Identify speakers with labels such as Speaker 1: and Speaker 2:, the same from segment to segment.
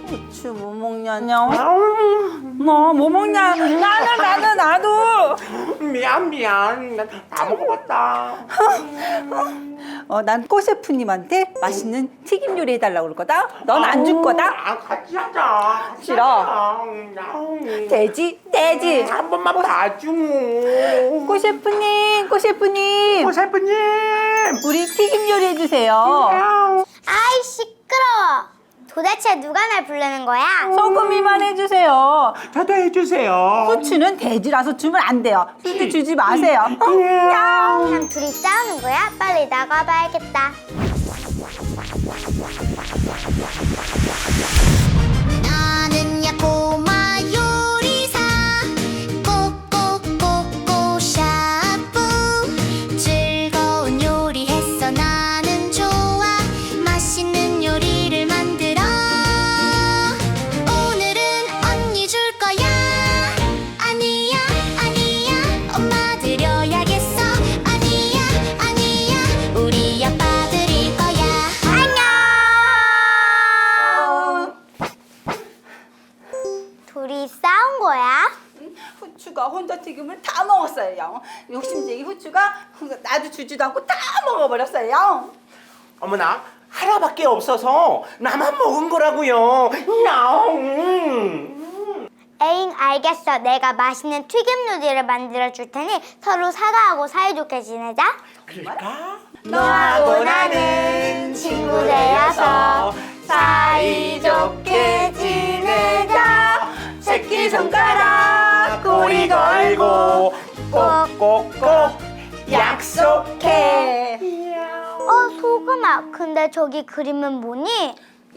Speaker 1: 후추 뭐 먹냐냐? 너 뭐 먹냐? 나도.
Speaker 2: 미안. 나 다 먹어봤다.
Speaker 1: 난 꼬 셰프님한테 맛있는 튀김 요리 해달라고 그럴 거다. 넌 안 줄 거다.
Speaker 2: 같이 하자.
Speaker 1: 싫어. 돼지.
Speaker 2: 한 번만 봐줘.
Speaker 1: 꼬 셰프님.
Speaker 2: 셰프님.
Speaker 1: 우리 튀김 요리 해주세요.
Speaker 3: 아이 시끄러워. 도대체 누가 날 부르는 거야?
Speaker 1: 소금이만 해주세요.
Speaker 2: 저도 해주세요.
Speaker 1: 후추는 돼지라서 주면 안 돼요. 후추 주지 마세요.
Speaker 3: 그냥 둘이 싸우는 거야? 빨리 나가봐야겠다. 나는야 꼬마 요리사 꼬꼬꼬꼬 샤프 즐거운 요리 했어 나는 좋아 맛있는 요리를 만들어 오늘은 언니 줄 거야 아니야 엄마 드려야겠어 아니야 우리 아빠 드릴 거야 안녕 둘이 싸운 거야?
Speaker 1: 후추가 혼자 튀김을 다 먹었어요. 욕심쟁이 후추가 나도 주지도 않고 다 먹어버렸어요.
Speaker 2: 어머나, 하나밖에 없어서 나만 먹은 거라고요.
Speaker 3: 에잉 알겠어. 내가 맛있는 튀김 요리를 만들어 줄 테니 서로 사과하고 사이좋게 지내자.
Speaker 2: 그럴까?
Speaker 3: 너하고 나는 친구 되어서 사이좋게 지내자.
Speaker 1: 새끼손가락
Speaker 2: 꼬리 걸고 꼭꼭꼭 약속해.
Speaker 3: 소금아 근데 저기 그림은 뭐니?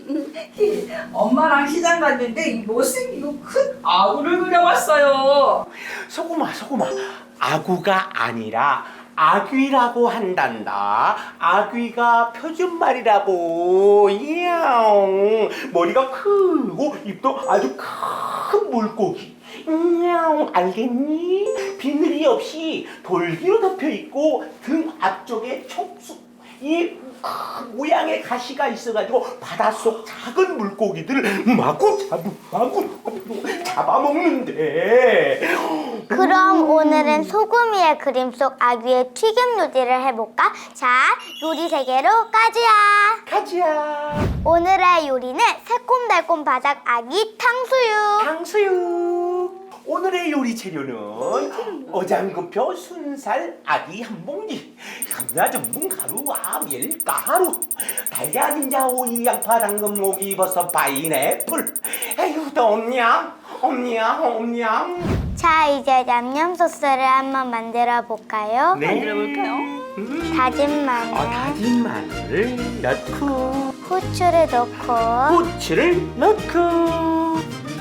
Speaker 1: 엄마랑 시장 갔는데 못생기고 큰 아구를 그려봤어요.
Speaker 2: 소금아, 아구가 아니라 아귀라고 한단다. 아귀가 표준말이라고. 이야옹. 머리가 크고 입도 아주 큰 물고기. 이야옹. 알겠니? 비늘이 없이 돌기로 덮여 있고 등 앞쪽에 촉수. 이 모양의 가시가 있어가지고 바닷속 작은 물고기들을 마구 잡아먹는데.
Speaker 3: 그럼 오늘은 소금이의 그림 속 아귀의 튀김 요리를 해볼까? 자, 요리 세계로 가자. 오늘의 요리는 새콤달콤 바삭 아귀 탕수육.
Speaker 2: 오늘의 요리 재료는 어장급표 순살 아귀 한 봉지, 감자 전분 가루와 밀가루, 달걀 인자 오이 양파 당근 모기 버섯 파인애플. 에휴 또 없냐?
Speaker 3: 자, 이제 냠냠 소스를 한번 만들어 볼까요?
Speaker 2: 네.
Speaker 1: 만들어볼까요?
Speaker 3: 다진 마늘,
Speaker 2: 다진 마늘을 넣고
Speaker 3: 후추를 넣고
Speaker 2: 후추를 넣고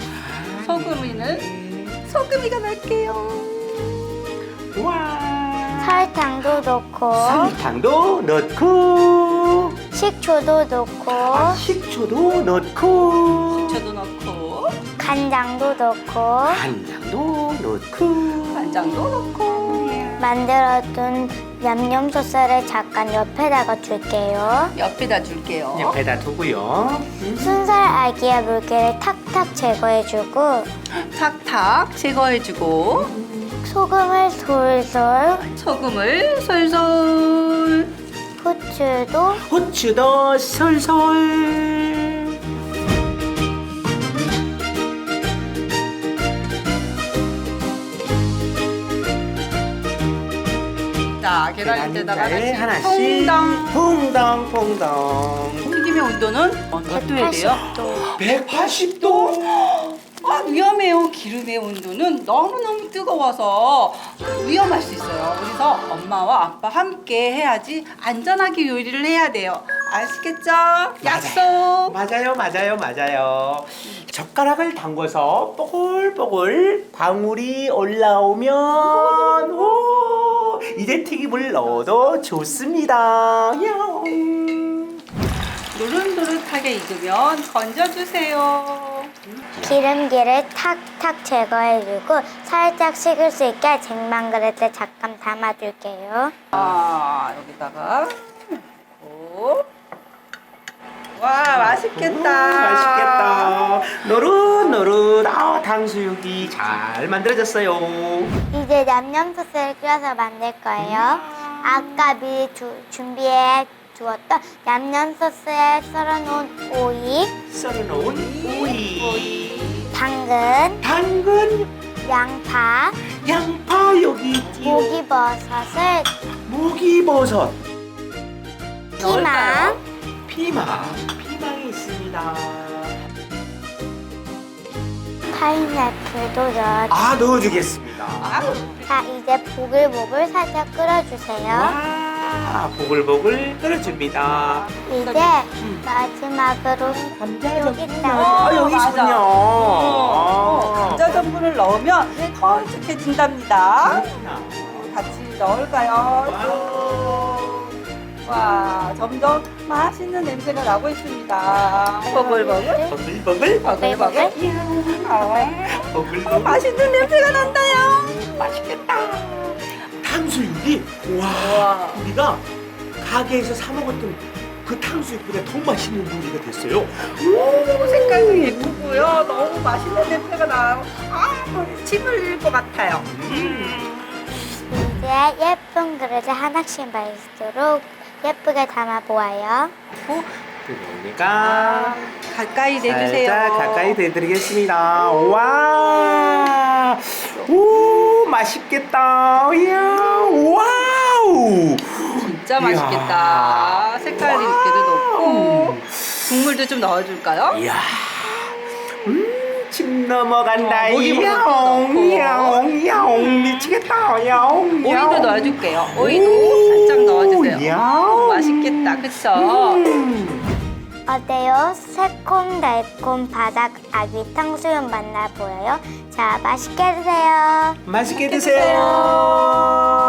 Speaker 1: 소금이가 넣을게요.
Speaker 2: 와
Speaker 3: 설탕도 넣고
Speaker 2: 설탕도 넣고
Speaker 3: 식초도 넣고
Speaker 2: 식초도 넣고
Speaker 1: 저도 넣고
Speaker 3: 간장도 넣고
Speaker 1: 간장도 넣고
Speaker 3: 만들어둔 냠냠 소스를 잠깐 옆에다가 줄게요.
Speaker 1: 옆에다 줄게요.
Speaker 2: 옆에다 두고요.
Speaker 3: 순살 아기의 물기를 탁탁 제거해주고
Speaker 1: 탁탁 제거해주고
Speaker 3: 소금을 솔솔
Speaker 1: 소금을 솔솔
Speaker 2: 후추도 솔솔.
Speaker 1: 자 계란에다가
Speaker 2: 하나씩 퐁당.
Speaker 1: 튀김의 온도는 몇 도에 돼요?
Speaker 2: 180도.
Speaker 1: 위험해요. 기름의 온도는 너무너무 뜨거워서 위험할 수 있어요. 그래서 엄마와 아빠 함께 해야지 안전하게 요리를 해야 돼요. 아시겠죠? 약속!
Speaker 2: 맞아요. 젓가락을 담궈서 뽀글뽀글 방울이 올라오면 이제 튀김을 넣어도 좋습니다.
Speaker 1: 노릇노릇하게 익으면 건져주세요.
Speaker 3: 기름기를 탁탁 제거해주고 살짝 식을 수 있게 쟁반 그릇에 잠깐 담아줄게요.
Speaker 1: 여기다가 넣고 와, 맛있겠다.
Speaker 2: 맛있겠다. 노릇노릇. 탕수육이 잘 만들어졌어요.
Speaker 3: 이제 냠냠 소스를 끓여서 만들 거예요. 아까 미리 준비해 두었던 냠냠 소스에 썰어놓은 오이,
Speaker 2: 썰어놓은 오이,
Speaker 3: 당근, 양파,
Speaker 2: 여기 있지요.
Speaker 3: 목이버섯을,
Speaker 2: 목이버섯,
Speaker 3: 피망,
Speaker 2: 피망이 있습니다.
Speaker 3: 파인애플도 넣어주세요.
Speaker 2: 넣어주겠습니다.
Speaker 3: 자, 이제 보글보글 살짝 끓여주세요.
Speaker 2: 와, 보글보글 끓여줍니다.
Speaker 3: 이제 마지막으로 여기다가
Speaker 2: 여기 있군요.
Speaker 1: 감자 전분을 넣으면 걸쭉해진답니다. 같이 넣을까요? 와, 점점 맛있는 냄새가 나고 있습니다. 보글보글.
Speaker 2: 보글보글. 보글보글.
Speaker 1: 맛있는 냄새가 난다요.
Speaker 2: 맛있겠다. 탕수육이 와, 우리가 가게에서 사 먹었던 그 탕수육보다 더 맛있는 요리가 됐어요.
Speaker 1: 오, 색깔도 예쁘고요. 너무 맛있는 냄새가 나요. 침 흘릴 것 같아요.
Speaker 3: 이제 예쁜 그릇에 하나씩 마시도록 예쁘게 담아보아요.
Speaker 2: 그러니까
Speaker 1: 가까이 내주세요.
Speaker 2: 살짝 가까이 대드리겠습니다. 와, 오, 맛있겠다. 이야, 와우.
Speaker 1: 진짜 맛있겠다. 색깔 있게도 넣고 국물도 좀 넣어줄까요?
Speaker 2: 이야, 침 넘어간다.
Speaker 1: 목이
Speaker 2: 야옹,
Speaker 1: 야옹,
Speaker 2: 야옹, 미치겠다. 야옹,
Speaker 1: 오이도 넣어줄게요. 오이도 살짝 넣어주세요.
Speaker 2: 야옹.
Speaker 1: 맛있겠다, 그쵸?
Speaker 3: 어때요? 새콤달콤 바삭 아귀 탕수육 맛나 보여요? 자, 맛있게 드세요.
Speaker 2: 맛있게 드세요.